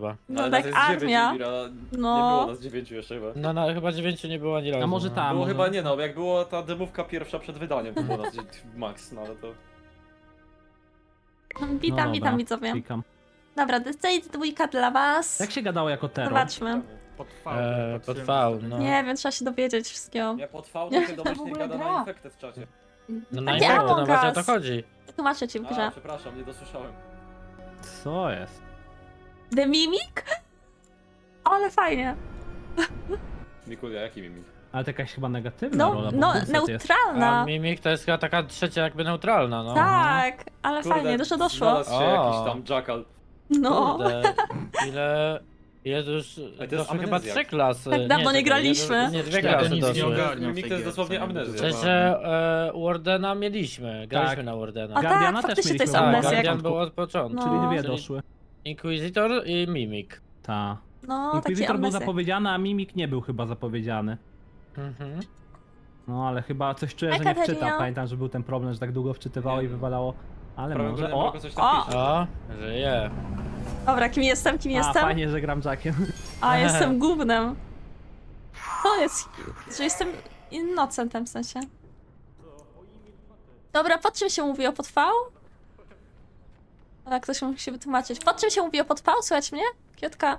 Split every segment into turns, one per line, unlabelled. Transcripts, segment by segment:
chyba.
No
Ale
tak
nas jest 9,
armia.
Mira. Nie
No.
było nas 9 jeszcze chyba.
No chyba 9 nie było ani razu.
A może
no.
tam.
Było
może...
chyba nie no, jak była ta demówka pierwsza przed wydaniem, to było nas max, no ale to...
Witam, witam widzowie.
Klikam.
Dobra, Decade dwójka dla was.
Jak się gadało jako terror?
Zobaczmy.
Pod
Pod V, no.
Nie wiem, trzeba się dowiedzieć wszystkiego.
Ja pod V to się domyślnie gada na infektę w czacie.
No na
Takie
infekty, no
Among
właśnie o to
Us.
chodzi.
Tłumaczę ci w
A,
grze.
przepraszam, nie dosłyszałem.
Co jest?
The Mimic? Ale fajnie.
Mikulia, jaki mimik?
Ale to jakaś chyba negatywna
No,
rola. bo
no
Dulcet jest.
neutralna.
A Mimik to jest chyba taka trzecia jakby neutralna, no.
Tak, ale fajnie, dużo doszło.
Znalazł się
O.
jakiś tam jackal.
No.
Kurde, ile... Jest już
Ale to jest
doszły chyba
amnezja.
3 klasy.
Tak dawno nie
czekaj,
graliśmy.
Nie, 2
Ja
klasy
nic nie
doszły.
ogarniam.
Mimik to jest dosłownie amnezja.
Przecież Wardena mieliśmy, graliśmy
Tak.
na Wardena.
A
Guardiana
tak,
też
faktycznie to jest
mieliśmy.
Tak,
amnezja.
Guardian był od początku.
No.
Czyli dwie
Czyli
doszły.
Inquisitor i Mimik.
Ta.
No, takie
Inquisitor był
amnezje.
zapowiedziany, a Mimik nie był chyba zapowiedziany.
Mhm.
No ale chyba coś czuję,
Hej,
że nie
Katerina.
wczyta. Pamiętam, że był ten problem, że tak długo wczytywało i wywalało. Ale
Prawym
może.
górnym
O!
rogu coś tam
O!
pisze.
O, żyje.
Dobra, kim jestem, kim
A,
jestem?
fajnie, że gram Jackiem.
A, jestem gównem. To jest, że jestem innocentem w sensie. Dobra, pod czym się mówi o pod V? Ale ktoś musi wytłumaczyć. Pod czym się mówi o pod V? Słuchać mnie? Kiotka.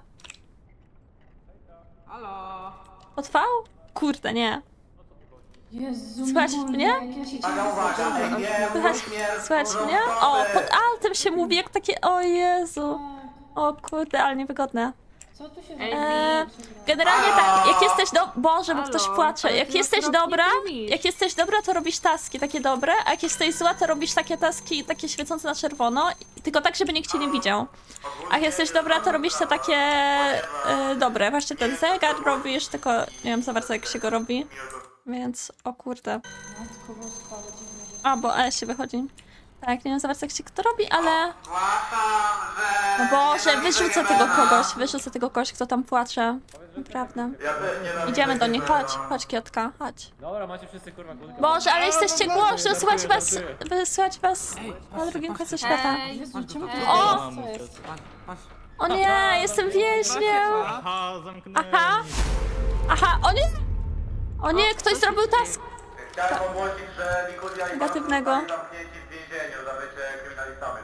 Halo?
Pod V? Kurde, nie.
Jezu,
Słychać
Mikulia,
mnie?
jak ja się cieszę.
Słychać mnie? O, pod altem się mówi jak takie... O Jezu. O kurde, ale niewygodne.
Co tu się
Generalnie tak, jak jesteś Boże, bo ktoś
Halo,
płacze.
ale
Jak
ty
jesteś
okropnie
dobra,
tłumisz.
jak jesteś dobra, to robisz taski takie dobre, a jak jesteś zła, to robisz takie taski, takie świecące na czerwono, tylko tak, żeby nikt cię nie widział. A jak jesteś dobra, to robisz te takie dobre. Właśnie ten zegar robisz, tylko nie wiem za bardzo jak się go robi. Więc, o kurde.
Matko boska, ale dziwne rzeczy.
A, bo się wychodzi. Tak, nie wiem za bardzo jak się to robi, ale... No Boże, wyrzucę tego kogoś, kto tam płacze. Naprawdę. Idziemy do nich, chodź Kiotka, chodź.
Dobra, macie wszyscy kurwa kulkę.
Boże, ale jesteście głośno,
żartuję.
słychać was na drugim końcu świata.
Jezu, czemu ty
O!
Co jest?
O nie, jestem więźniem!
Aha, zamknęli.
Aha, o nie! O nie, ktoś zrobił task
Chciałem ogłosić, że Mikulia i
negatywnego.
Bartosz zostali zamknięci w więzieniu za bycie kryminalistami.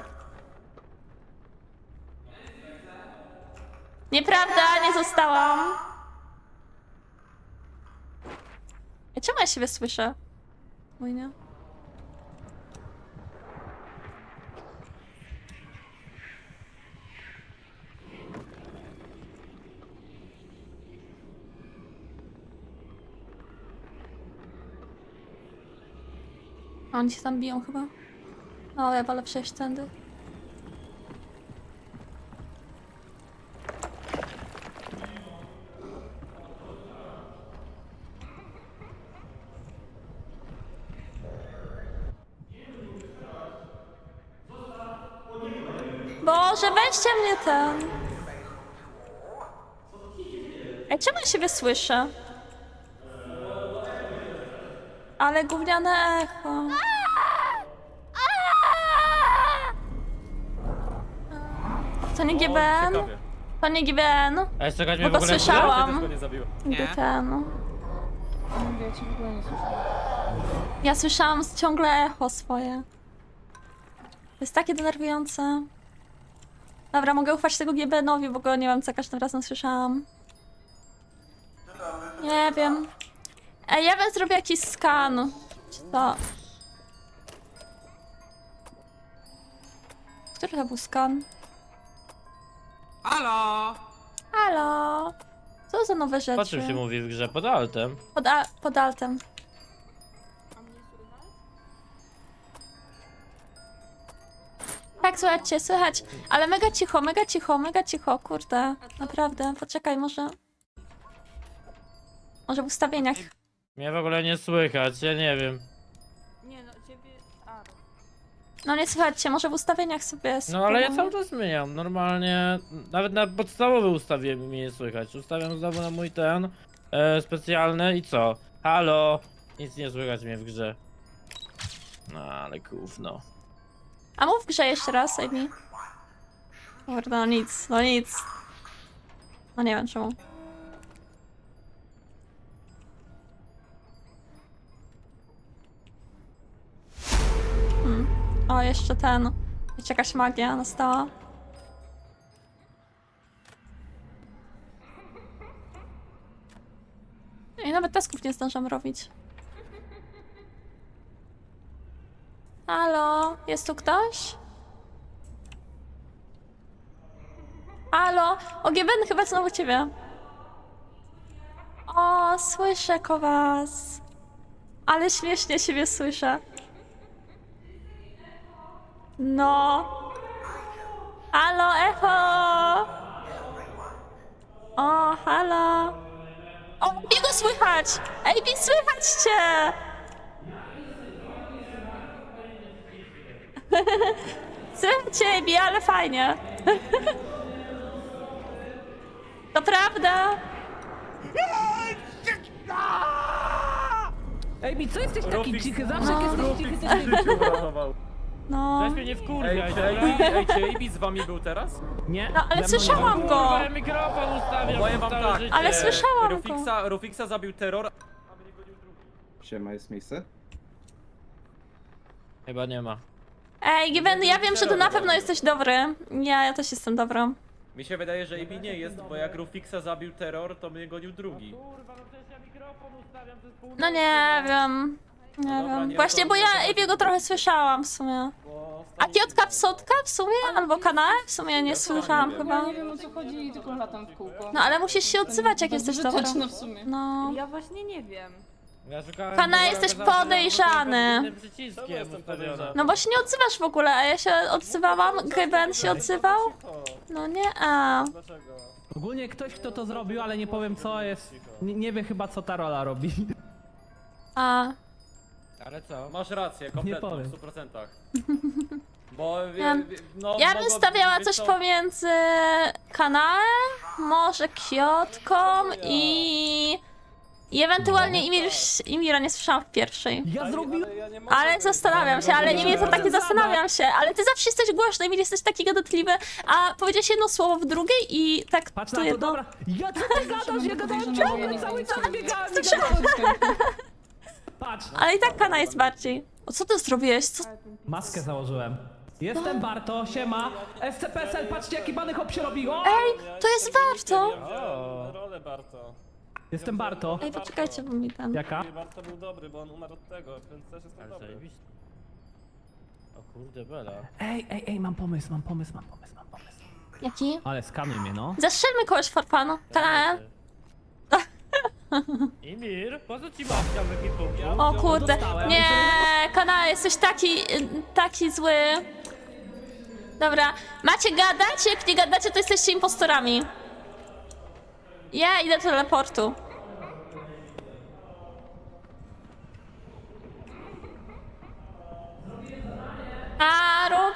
Nieprawda, nie zostałam. Czemu ja siebie słyszę? Mój nie. A oni się tam biją chyba. No, ja wolę przejść tędy. Boże, weźcie mnie ten. Ej, czemu ja siebie słyszę? Ale gówniane echo. To nie GBN?
Ciekawie.
To nie GBN?
A jeszcze chodź
Bo
mnie w
to
ogóle...
słyszałam.
Cię też go nie zabiło.
GBN.
Mówię, ja cię w ogóle nie słyszę.
Ja słyszałam ciągle echo swoje. To jest takie denerwujące. Dobra, mogę ufać tego GBN-owi, bo go nie wiem, co każdym razem słyszałam. Nie wiem. Ej, ja bym zrobił jakiś skan. Czy to... Który to był skan?
Halo?
Halo? Co za nowe rzeczy?
Po czym się mówi w grze? Pod altem.
Pod altem. Tak, słuchajcie, słychać. Ale mega cicho, mega cicho, mega cicho, kurde. Naprawdę, poczekaj, może... Może w ustawieniach.
Mnie w ogóle nie słychać, ja nie wiem.
Nie no, ciebie... A,
No nie słuchajcie, może w ustawieniach sobie
No ale ja
spróbuję.
cały czas zmieniam, normalnie, nawet na podstawowe ustawienie mnie nie słychać. Ustawiam znowu na mój ten specjalny i co? Halo? Nic nie słychać mnie w grze. No ale gówno.
A mów w grze jeszcze raz, Amy. Kurde, no nic, no nic. No nie wiem czemu. O, jeszcze ten. Jeszcze jakaś magia nastała. I nawet tasków nie zdążam robić. Halo? Jest tu ktoś? Halo? O, Gieben, chyba znowu ciebie. O, słyszę was. Ale śmiesznie siebie słyszę. No. Halo, echo! O, halo! O, Bigo słychać! Ej, Bi, słychać cię! Słychać cię, Bi, ale fajnie. To prawda?
Ej, mi co jesteś taki
Rufix-
cichy? Zawsze jak jesteś cichy,
Rufix
to
w życiu uratował.
No.
Weź mnie nie
Ej,
wkurwiaj,
czy
dobra?
AB z wami był teraz?
Nie,
No, ale
ze mną nie
słyszałam
było.
go!
Kurwa, ja mikrofon ustawiam
Powiem
przez
wam
całe
tak.
życie.
Ale słyszałam go.
Rufixa zabił terror.
Siema, jest miejsce?
Chyba nie ma.
Ej, Given, ja wiem, że ty na pewno jesteś dobry. Ja też jestem dobra.
Mi się wydaje, że AB nie jest, bo jak Rufixa zabił terror, to mnie gonił drugi.
Kurwa, no przecież ja mikrofon ustawiam przez pół
No nie wiem. Nie
dobra,
wiem.
nie,
Właśnie,
to-
bo ja
to-
Ewiego trochę słyszałam w sumie. A Kiotka Psotka w sumie? Albo Kanał? W sumie nie słyszałam
Ja
chyba.
nie wiem o co chodzi i tylko latam w kółko.
No ale musisz się odzywać, jak jesteś dobra.
Bezużyteczne w sumie.
No.
Ja właśnie nie wiem.
Ja szukałem...
Kana,
bo
jesteś
okazało się, że
podejrzany.
pod innym przyciskiem ustawione.
No bo się nie odzywasz w ogóle, a ja się odzywałam, Given się odzywał. No nie, a.
Ogólnie ktoś, kto to zrobił, ale nie powiem co jest. Nie wie chyba co ta rola robi.
A.
Ale co?
Masz rację, kompletnie,
powiem.
w 100%. Bo no,
Ja bym stawiała coś pomiędzy kanałem, może Kiotką i ewentualnie Imira nie słyszałam w pierwszej.
Ja zrobiłem...
Ale zastanawiam się, ale Imir to taki zastanawiam się, ale ty zawsze jesteś głośny, Imir jesteś taki gadatliwy, a powiedziałeś jedno słowo w drugiej i tak
Patrz
to
na to,
jedno.
dobra. Ja co ty gadasz? Ja gadałem ciągle cały czas biegałem. Patrz.
Ale i tak Kana jest bardziej. O co ty zrobiłeś? Co?
Maskę założyłem. Jestem Barto, siema. SCPSL, patrzcie jaki bany hop się robi. O!
Ej, to jest warto!
Rolę Barto.
Jestem Barto.
Ej, poczekajcie, bo mi ten...
Jaka?
Barto był dobry, bo on umarł od tego, więc też jestem
Ale
dobry.
zajebiście. O kurde, Bela.
Ej, mam pomysł.
Jaki?
Ale skanuj mnie, no.
Zastrzelmy kogoś for fun. Kanałem.
Imir, po co ci babcia w ekipunku?
O kurde,
dostałem.
nie, Kana, jesteś taki zły. Dobra, macie gadać? Jak nie gadacie, to jesteście impostorami. Ja idę do teleportu. A, rób.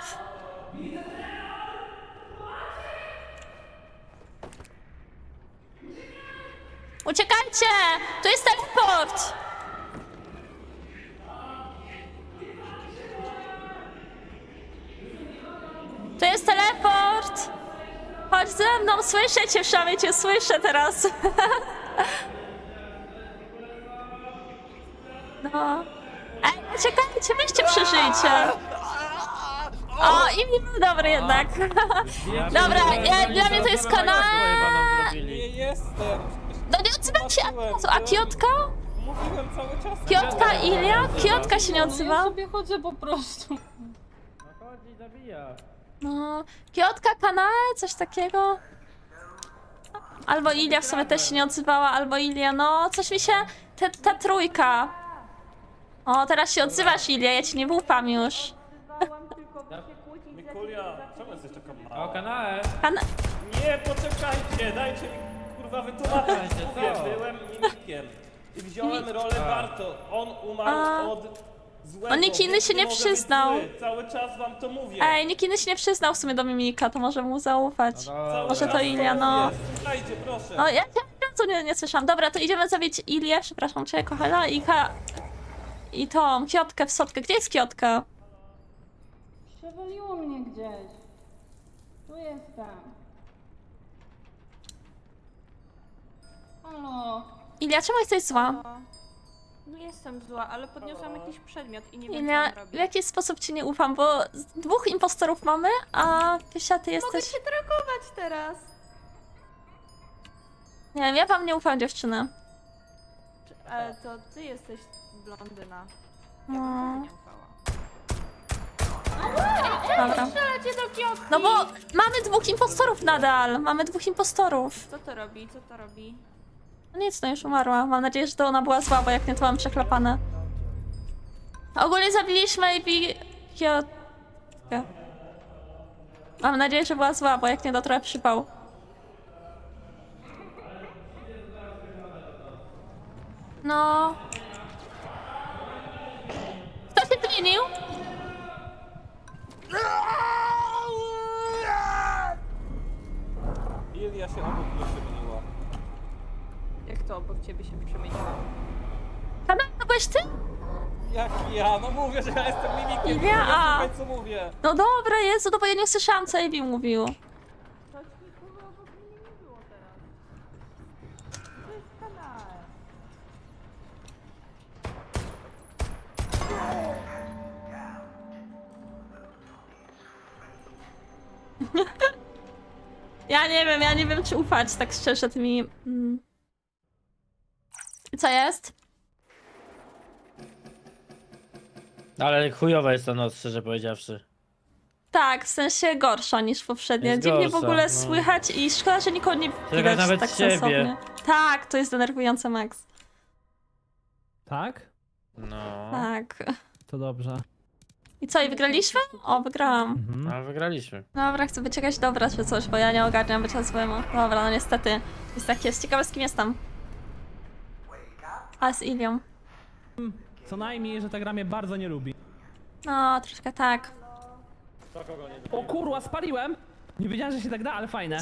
Uciekajcie! Tu jest teleport! To jest teleport! Chodź ze mną, słyszę cię, przynajmniej cię słyszę teraz. No. Ej, czekajcie, weźcie przeżyjcie. O, i mi był dobry jednak. Dobra, dla mnie to jest kanał.
Nie jestem!
No nie odzywam się, a Kiotka?
Mówiłem cały czas.
Kiotka, Ilia? Kiotka się nie
Ja
odzywa.
sobie chodzę po prostu.
No chodź i zabija.
No, Kiotka, Kanae, coś takiego. Albo Ilia w sumie też się nie odzywała, albo Ilia, no coś mi się... Ta trójka. O, teraz się odzywasz, Ilia, ja ci nie ufam już.
Mikulia, czemu jesteś taka
O,
mała?
kanale.
Nie, poczekajcie, dajcie mi kurwa wytłumaczyć.
Poczekajcie,
Mówię,
co?
byłem mimikiem. I wziąłem rolę Barto. On umarł od złego.
On nikt inny
więc
się nie
mogę być
przyznał.
zły. Cały czas wam to mówię.
Ej, nikt inny się nie przyznał w sumie do Mimika, to może mu zaufać.
Cały
Może
czas
to Ilia, no.
mówię. Słuchajcie, proszę.
No, ja co nie słyszałam. Dobra, to idziemy zabić Ilię, przepraszam cię, kochana, i tą Kiotkę w sotkę. Gdzie jest Kiotka?
Przewaliło mnie gdzieś. Tu jestem.
Ilia, czemu jesteś zła?
No jestem zła, ale podniosłam jakiś przedmiot i nie wiem, co
Ilia,
mam
w
robić.
jaki sposób ci nie ufam, bo dwóch impostorów mamy, a Pysia, ty
Mogę
jesteś...
się trakować teraz.
Nie wiem, ja wam nie ufam, dziewczyny.
Ale to ty jesteś blondyna. Ja
No.
bym tobie nie ufała.
Dobra.
Strzelacie do kioski!
No bo mamy dwóch impostorów nadal, mamy dwóch impostorów.
Co to robi? Co to robi?
No nic, no już umarła. Mam nadzieję, że to ona była słaba, jak nie to mam przeklepane. Ogólnie zabiliśmy AB Kiotkę. Mam nadzieję, że była zła, bo jak nie to trochę przypał. No. Kto się zmienił?
Ilia się obok mnie przemieniła.
Jak to obok ciebie się przemieniła?
Kanał, to byłeś ty?
Jak ja? No mówię, że ja jestem mimikiem.
Ilia, a.
Słuchaj, co mówię.
No dobra, Jezu, no bo ja nie słyszałam, co AB mówił.
To nikogo obok mnie nie było teraz. To jest kanał.
Ja nie wiem, czy ufać, tak szczerze, tymi... Co jest?
Ale chujowa jest ta noc, szczerze powiedziawszy.
Tak, w sensie gorsza niż poprzednia.
Jest
Dziwnie w
gorsza,
ogóle
no.
słychać i szkoda, że nikogo nie
Słychać
widać
nawet
tak
siebie.
sensownie. Tak, to jest denerwujące, Max.
Tak?
No.
Tak.
To dobrze.
I co, i wygraliśmy? O, wygrałam.
Mhm.
Ale wygraliśmy.
Dobra, chcę być jakaś dobra czy coś, bo ja nie ogarniam bycia złemu. Dobra, no niestety. Jest tak jest. Ciekawe, z kim jestem. A z Ilią.
Co najmniej, że ta gra mnie bardzo nie lubi.
No, troszkę tak.
O kurwa, spaliłem! Nie wiedziałem, że się tak da, ale fajne.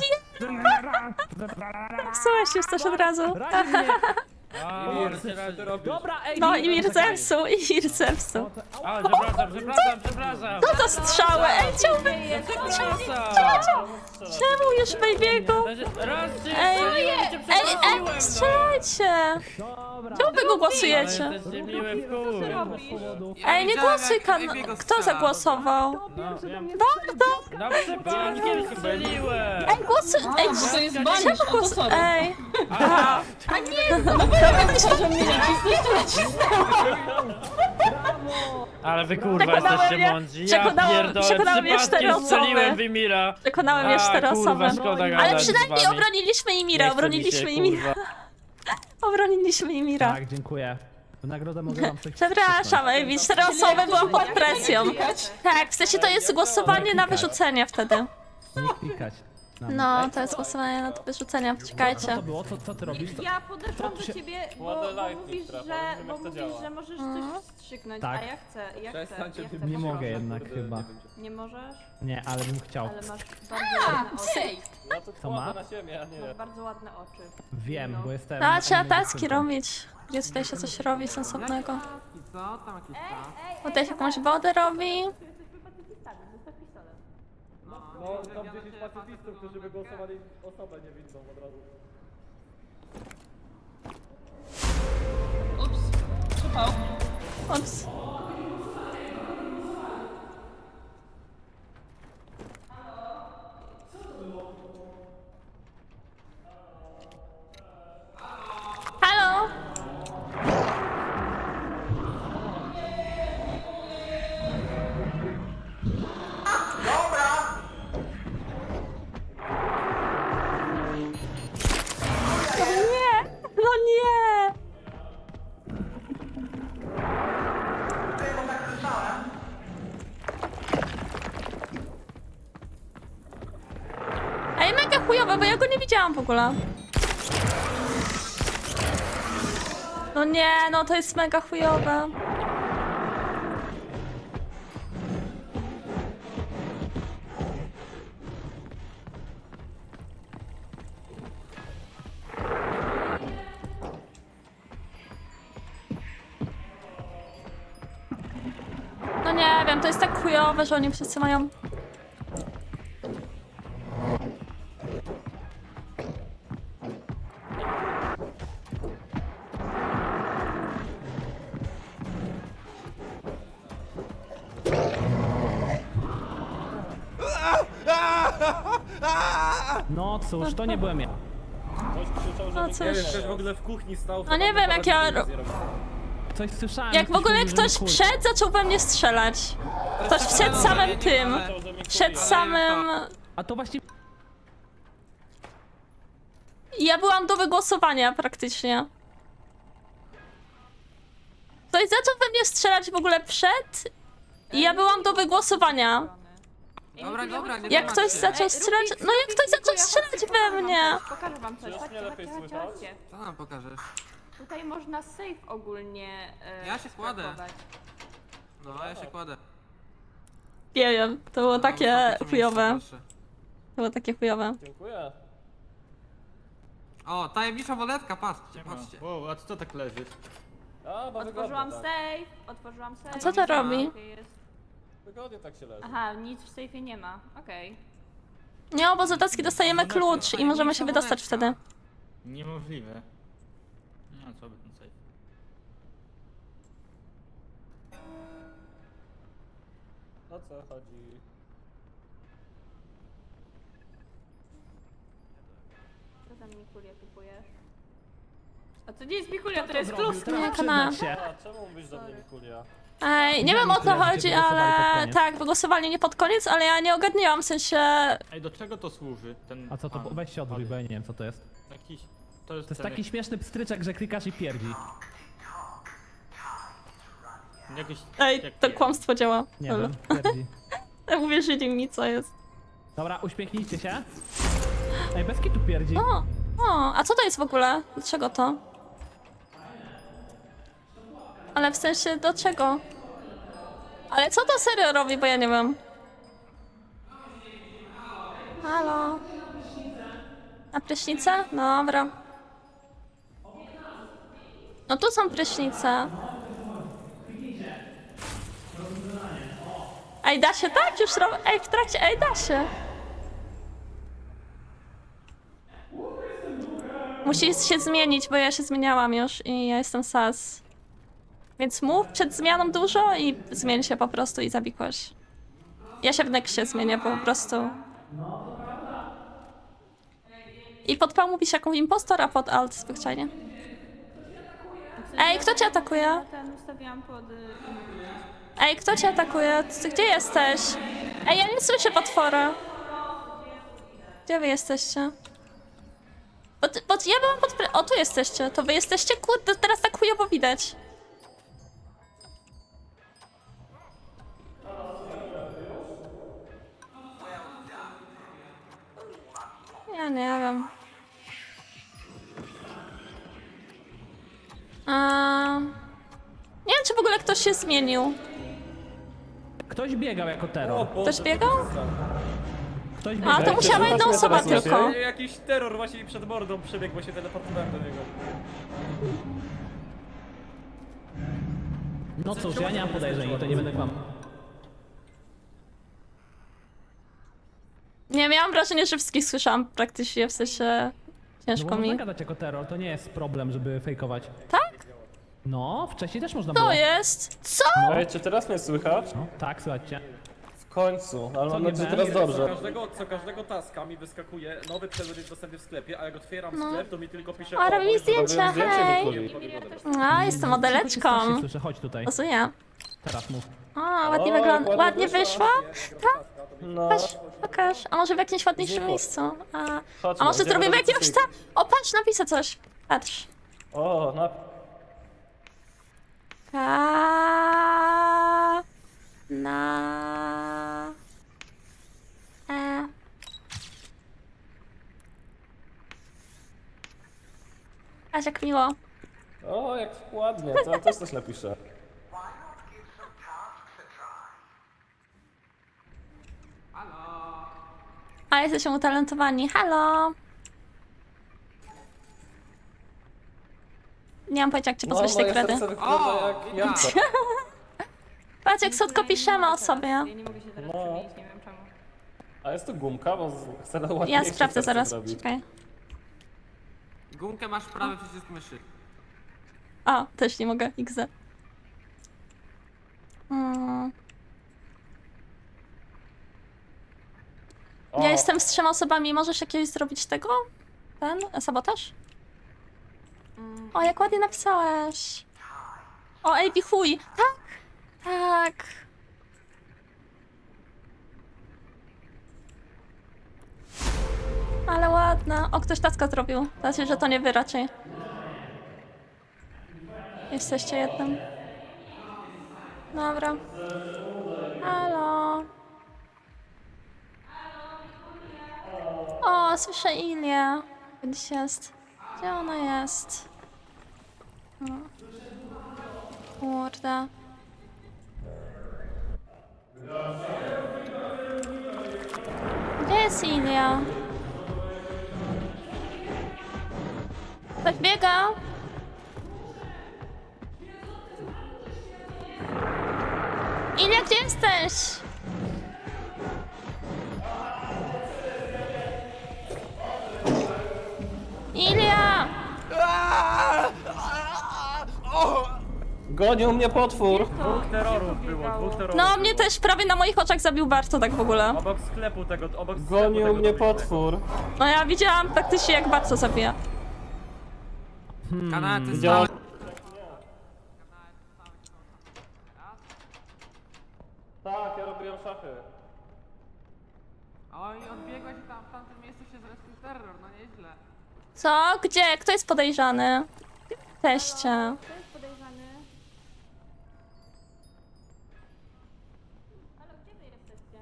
Psułeś już też od razu.
Razi mnie.
A,
Dobra, ej,
No
nie,
i Mir
czekaj.
zepsuł, i Mir zepsuł.
A, przepraszam.
Co to strzały? Ej, chciałbym... Czemu już Baby'ego?
Raz cię
Ej,
strzeliłem, cię
Ej,
przeprosiłem,
strzelajcie!
Dobra.
Czemu wy go głosujecie?
Ale jesteście miłe w chuj.
Ej, nie głosuj, Kto zagłosował?
No, wiem.
Barto!
No przypadkiem strzeliłem.
Ej, głosuj! Ej,
To jest banisz,
czemu
no to
głosuj?
sorry.
Ej!
Aha.
A nie, no dobra,
Że mnie nacisnąć.
Ale wy kurwa
Przekonałem
jesteście
mnie-
mądrzy. Ja pierdolę,
przekonały mnie 4
przypadkiem
osoby.
strzeliłem Wimira.
Przekonały mnie 4
kurwa,
osoby.
szkoda
Ale
gadać z
przynajmniej
wami.
obroniliśmy
Nie
Imira,
chce mi
obroniliśmy
się,
Imira.
kurwa.
Obroniliśmy Imira.
Tak, dziękuję. W nagrodę mogę wam coś
Przepraszam, Ej, 4 osoby, byłam pod presją. Tak, w sensie to jest głosowanie na wyrzucenie wtedy.
nie klikać. na mnie.
No,
Ej,
to jest głosowanie na wyrzucenie,
Co
czekajcie.
to było? Co ty robisz?
Ja podeszłam do ciebie, bo
Ładny lightning
mówisz,
trapa,
że,
nie wiem,
bo
jak to
mówisz,
działa.
że możesz coś wstrzyknąć,
Tak.
a ja chcę, ja chcę.
Przestańcie
Ja chcę
Nie
proszę.
mogę jednak chyba.
Nie możesz?
Nie, ale bym chciał.
Ale masz bardzo ładne oczy.
No to
Co ma?
kładę na ziemię, a nie.
Masz bardzo ładne oczy.
Wiem, bo jestem...
No, trzeba
animated
taski
tylko.
robić. Gdzie tutaj się coś robi sensownego? Tutaj się jakąś wodę robi.
No, tam 10 pacyfistów, którzy wygłosowali osobę niewinną od razu.
Ups, przypał.
Ups. Halo? No nie! No nie! Ej, mega chujowe, bo ja go nie widziałam w ogóle. No nie, no to jest mega chujowe. No nie wiem, to jest tak chujowe, że oni wszyscy mają...
No cóż, to nie byłem ja.
Ktoś krzyczał, że
No
Mikołaj...
Nie wiem,
cóż.
ktoś w ogóle w kuchni stał.
No nie wiem, jak ja
Coś słyszałem.
Jak w ogóle
mówił, że
ktoś
Mikuj.
wszedł, zaczął we mnie strzelać. Ktoś wszedł samym tym. Przed samym...
A to właśnie...
Ja byłam do wygłosowania praktycznie. Ktoś zaczął we mnie strzelać w ogóle przed i ja byłam do wygłosowania.
Dobra, nie
Jak ktoś zaczął strzelać... No jak ktoś zaczął strzelać we mnie!
Pokażę wam coś.
Przecież
Chodźcie,
mnie lepiej
chodźcie, chodźcie,
słychać.
chodźcie.
Co nam pokażesz?
Tutaj można safe ogólnie
Ja się kładę.
skrapować.
No, ja się kładę.
Nie wiem, to było
No,
takie
ostatnie
chujowe.
miejsce, proszę.
To było takie chujowe.
Dziękuję.
O, tajemnicza woletka, patrzcie, patrzcie.
Wow, a co tak leży?
A, bo
Otworzyłam
wygodnie tak.
safe, otworzyłam safe.
A co to robi?
Okej, jest.
Wygodnie tak się leży.
Aha, nic w safe'ie nie ma. Okej.
Nie, bo z dotacji dostajemy klucz i możemy się wydostać wtedy.
Niemożliwe. No co by ten safe?
O co chodzi?
Co tam Mikulia kupujesz? A to nie jest Mikulia, to jest
Zrobił,
klus.
teraz
Nie,
przyznać się.
A, czemu mówisz do mnie Mikulia?
Ej, nie wiem o co
Tyle, że
chodzi,
cię wygłosowali pod
ale
koniec.
tak, wygłosowali nie pod koniec, ale ja nie ogarniłam, w sensie...
Ej, do czego to służy? Ten
A co to?
pan?
Weź się odwróć, bo ja nie wiem co to jest.
Jakiś...
To jest taki śmieszny pstryczek, że klikasz i pierdzi.
Jakiś...
Ej,
jak
to
nie.
kłamstwo działa.
Nie
Lol.
wiem, pierdzi.
Uwierzyli mi, co jest.
Dobra, uśmiechnijcie się. Ej, bez kitu pierdzi.
A co to jest w ogóle? Do czego to? Ale w sensie, do czego? Ale co to serio robi, bo ja nie wiem. Halo? Na prysznicę? Dobra. No tu są prysznice. Ej, da się tak? Już robię. Ej, w trakcie. Ej, da się. Musi się zmienić, bo ja się zmieniałam już i ja jestem sas. Więc mów przed zmianą dużo i zmień się po prostu i zabikłaś. Ja się w Nexie zmienię po prostu. I pod P mówisz jaką impostor, a pod alt zwyczajnie. Ej, kto cię atakuje?
Ja ten ustawiłam pod...
Ej, kto cię atakuje? Ty gdzie jesteś? Ej, ja nie słyszę potwora. Gdzie wy jesteście? Bo ja byłam pod... O, tu jesteście. To wy jesteście? Kurde, teraz tak chujowo widać. Ja nie wiem. Nie wiem, czy w ogóle ktoś się zmienił.
Ktoś biegał jako terror.
Ktoś biegał?
Ktoś
A,
biegał.
to musiała jedna osoba tylko.
Jakiś terror właśnie mi przed mordą przebiegł, bo się teleportowałem do niego.
No cóż, ja nie mam podejrzeń, to nie będę kłamał.
Nie, miałam wrażenie, że wszystkich słyszałam praktycznie, w sensie
No
ciężko
bo
mi.
można gadać jako terror, to nie jest problem, żeby fejkować.
Tak?
No, wcześniej też można było.
To jest? Co?
Ej, czy teraz mnie słychać?
No, tak, słuchajcie.
W końcu, ale mam
nie
nadzieję, że
będzie?
teraz dobrze.
Co każdego taska mi wyskakuje nowy przedmiot jest dostępny w sklepie, a jak otwieram
No.
sklep, to mi tylko pisze
A, robi mi zdjęcia,
zdjęcie
hej!
Mikuli.
A, jestem modeleczką.
Strasznie słyszę, chodź tutaj.
Pozuję.
Teraz mów.
O, ładnie
O,
wygląda.
ładnie
Ładnie wyszło?
No,
Pokaż. A może w jakimś ładniejszym
Znikło.
miejscu?
chodźmy,
A może
idziemy
zrobimy
do
jakiegoś
dyskusji.
O, patrz, napisę coś. Patrz.
O, na...
Na... Aż jak miło.
O, jak ładnie, to ja też coś napiszę.
A, jesteśmy utalentowani. Halo! Nie mam pojęcia, jak cię
No,
pozbyć tej
moje
kredy.
serce wygląda jak jabłko.
Patrz, jak słodko piszemy o sobie.
Ja nie mogę się teraz
No.
przemienić, nie wiem czemu.
A jest tu gumka, bo chcę na
Ja
ładniejsze
sprawdzę
serce
zaraz.
zrobić.
Czekaj.
Gumkę masz prawy przycisk myszy.
O, też nie mogę. XD. Ja jestem z 3 osobami, możesz jakiegoś zrobić tego? Ten? Sabotaż? O, jak ładnie napisałeś. O, AB chuj. Tak! Tak. Ale ładna. O, ktoś taska zrobił. Znaczy, że to nie wy raczej. Jesteście jednym. Dobra. Halo. O, słyszę Ilię. Gdzieś jest. Gdzie ona jest? O. Kurde. Gdzie jest Ilia? Ktoś biega? Ilia, gdzie jesteś? Ilia!
Gonił mnie potwór!
Dwóch terrorów było, dwóch terrorów.
No, mnie też prawie na moich oczach zabił Barto tak w ogóle.
Obok sklepu tego, obok sklepu
Gonił
tego
mnie
byliśmy.
potwór!
No ja widziałam praktycznie jak Barto zabija.
Kanał, ty
Widziałem.
stałeś...
Tak, ja robiłem szachy.
Oj, odbiegłeś i tam w tamtym miejscu się zrespił terror, no nieźle.
Co? Gdzie? Kto jest podejrzany? Teście.
Kto jest podejrzany? Ale gdzie wy jesteście?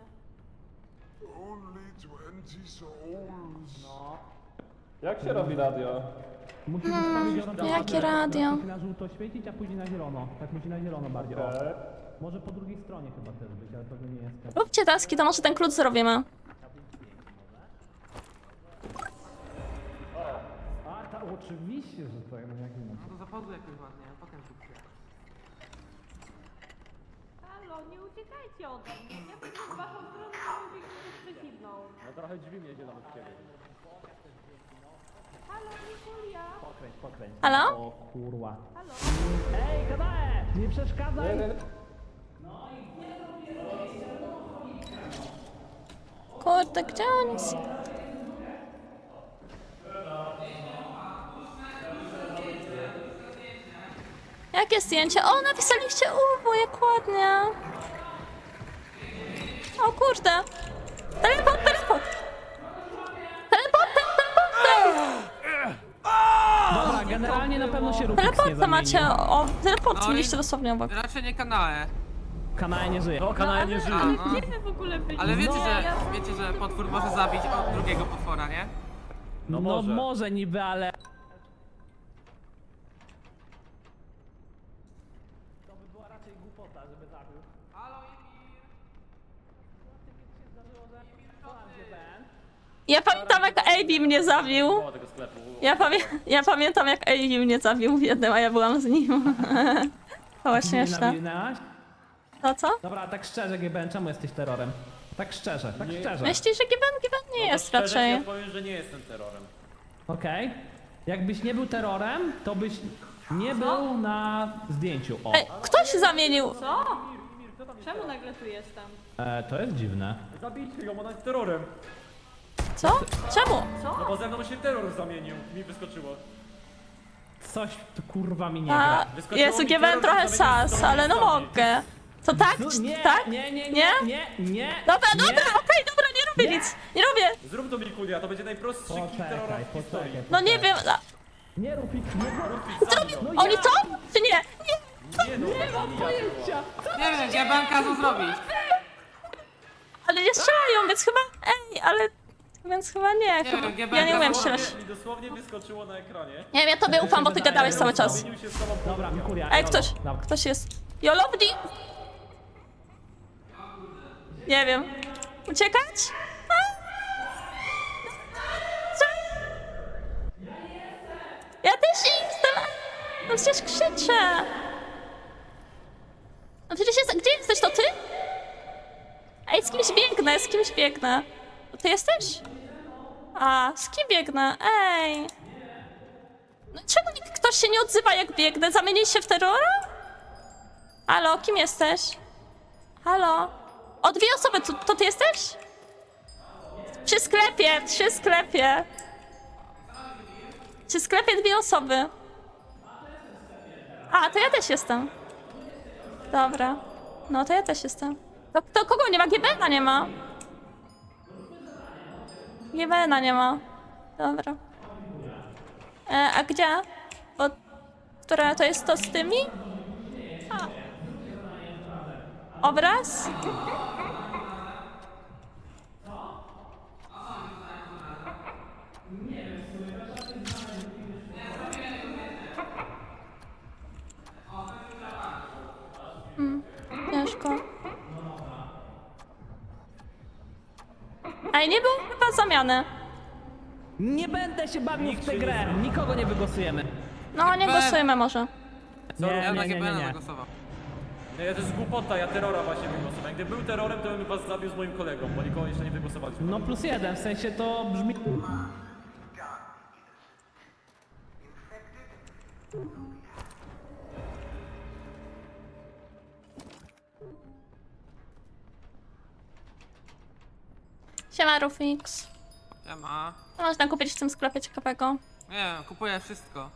Jak się robi radio?
Musisz ustawić
Jakie radio?
Musi na żółto świecić, a później na zielono. Tak musi na zielono bardziej. O. Może po drugiej stronie chyba też być, ale pewnie nie jest.
Róbcie taski, to może ten klucz zrobimy.
A, oczywiście, że to jak nie.
No to zapadło jakoś ładnie, a potem tu przyjechał.
Halo, nie uciekajcie ode mnie. Ja pójdę w waszą stronę, a wy biegniecie w przeciwną.
No trochę drzwi mnie nawet w ciebie.
Halo, Nikulia.
Pokręć.
Halo?
O kurwa.
Halo.
Ej, Kadae! Nie przeszkadzaj!
Kurde, gdzie oni są? Jakie zdjęcie? O, napisaliście Urwo, jak ładnie. O kurde. Teleport, teleport. Teleport, teleport.
Dobra, generalnie na pewno się Rufix nie
Teleporta
zamienił.
macie, o, teleport
No i-
mieliście dosłownie obok.
Raczej nie kanałe.
Kanae nie żyje.
No, kanał nie żyje.
No.
Gdzie wy w ogóle byliście?
Ale wiecie,
Ja-
wiecie, że potwór może zabić od drugiego potwora, nie?
No
No
może.
może niby, ale... To by była raczej głupota, żeby zabił.
Halo, Emir!
Ja pamiętam jak AB mnie zabił.
Było tego sklepu.
Ja pamiętam jak AB mnie zabił w jednym, a ja byłam z nim. To było śmieszne.
Nawinęłaś?
To co?
Dobra, tak szczerze, GBN, czemu jesteś terrorem? Tak szczerze, tak szczerze.
Myślisz, że Given nie jest
Szczerze
raczej.
ci powiem, że nie jestem terrorem.
Okej. Jakbyś nie był terrorem, to byś nie był na zdjęciu. O.
Ej, kto się zamienił?
Co? Czemu nagle tu jestem?
To jest dziwne.
Zabijcie ją, ona jest terrorem.
Co? Czemu?
No bo ze mną się terror zamienił, mi wyskoczyło.
Coś tu kurwa mi nie
A,
gra.
Wyskoczyło
Jezu,
mi
Given
terror,
trochę
zamienił
sas,
z
ale no
terrorystami.
mogę. To tak?
Nie,
Tak?
nie.
Dobra,
nie.
dobra, okej, dobra, nie robię nic. Nie robię.
Zrób to Mikulia, to będzie najprostszy kill terrora
Poczekaj,
w historii.
poczekaj.
No nie wiem.
Nie rób ich, nie rób.
Zrobił!
Oni co? Czy nie? Nie.
Nie mam pojęcia!
Nie wiem, ja bym kazał zrobić.
Ale nie strzelają, więc chyba... Ej, ale... Więc chyba nie.
Nie
Chyba...
wiem, GBN
Ja nie umiem
dosłownie-
strzelać.
Mi dosłownie wyskoczyło na ekranie.
Nie wiem, ja tobie ufam, bo ty gadałeś cały czas.
Zamienił się z tobą po
Dobra, Mikulia.
Ej,
Jolo.
ktoś.
Dobra.
Ktoś jest. Jolowni! Nie wiem. Uciekać? A? Co? Ja też jestem! No przecież krzyczę! No przecież jest... Gdzie jesteś, to ty? Ej, z kimś biegnę, z kimś biegnę. To ty jesteś? A, z kim biegnę? Ej! No czemu ktoś się nie odzywa jak biegnę? Zamienić się w terrora? Halo, kim jesteś? Halo? O, 2 osoby, to ty jesteś? Przy sklepie, przy sklepie. Przy sklepie 2 osoby. A, to ja też jestem. Dobra. No to ja też jestem. To kogo nie ma? GBN-a nie ma. GBN-a nie ma. Dobra. A gdzie? Bo... Która to jest to z tymi? A. Obraz? Ciężko. Ej, nie było chyba zamiany.
Nie będę się bawił w tę grę. Nikogo nie wygłosujemy.
No, nie głosujmy może.
Ja na
Nie, nie, nie,
GBN
nie.
zagłosował.
Nie, to jest głupota, ja terrora właśnie wygłosowałem. Gdyby był terrorem, to bym was zabił z moim kolegą, bo nikogo jeszcze nie wygłosowaliśmy.
No +1, w sensie to brzmi...
Siema, Rufix.
Siema.
Co można kupić w tym sklepie ciekawego?
Nie, kupuję wszystko.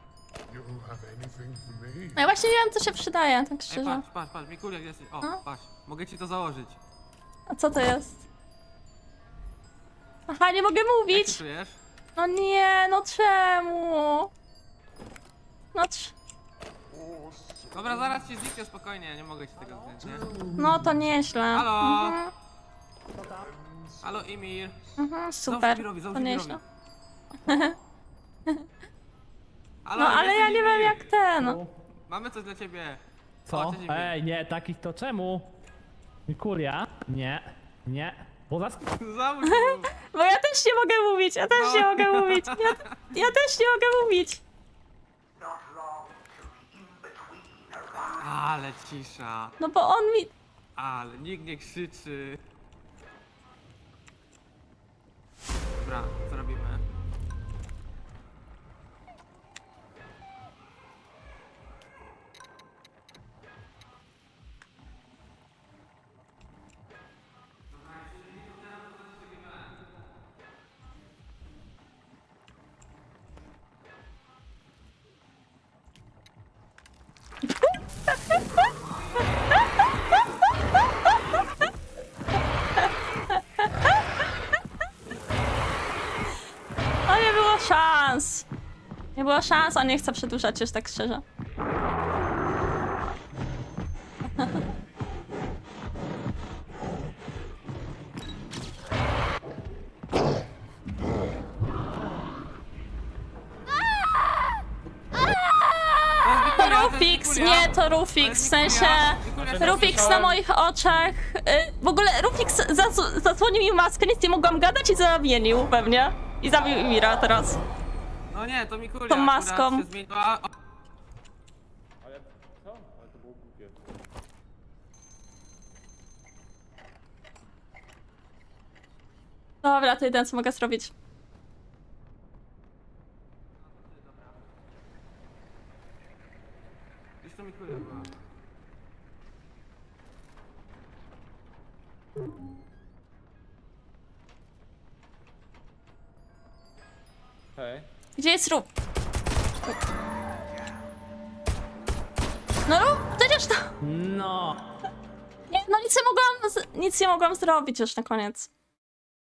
No ja właśnie nie wiem, co się przydaje, tak
Ej,
szczerze.
patrz, Mikulia, gdzie jesteś? O,
No.
patrz, mogę ci to założyć.
A co to jest? Aha, nie mogę
Jak się
mówić.
czujesz?
No nie, no czemu? No
Dobra, zaraz ci zniknie, spokojnie, nie mogę ci tego wziąć, nie?
no to nieźle.
Halo?
Mhm,
Halo, Emir.
super,
Emirowi,
to
załóż
nieźle.
Emirowi. Halo,
No ale ja
jesteś
nie wiem
Emir.
jak ten.
Mamy coś dla ciebie.
Co?
O, cześć, Emir.
Ej, nie, takich to czemu? Mikulia? Nie, nie. Bo zaraz...
Załóż mu.
Bo ja też nie mogę mówić, ja też nie mogę mówić. Ja też nie mogę mówić.
Ale cisza.
No bo on mi...
Ale nikt nie krzyczy. Dobra, co robimy?
No nie było szans. Nie było szans, on nie chce przedłużać już tak szczerze. To Rufix, nie, to Rufix, w sensie... Rufix na moich oczach... W ogóle Rufix zasłonił mi maskę, nic nie mogłam gadać i zamienił pewnie. I zabił Emira teraz.
No nie, to Mikulia
Tą
akurat
maską.
się zmieniła. O,
Ale co? Ale to było głupie.
Dobra, to jedyne co mogę zrobić.
Gdzieś to Mikulia była.
Hej.
Gdzie jest Ruf? No Ruf, przecież to...
No.
Nie, no nic nie mogłam zrobić już na koniec.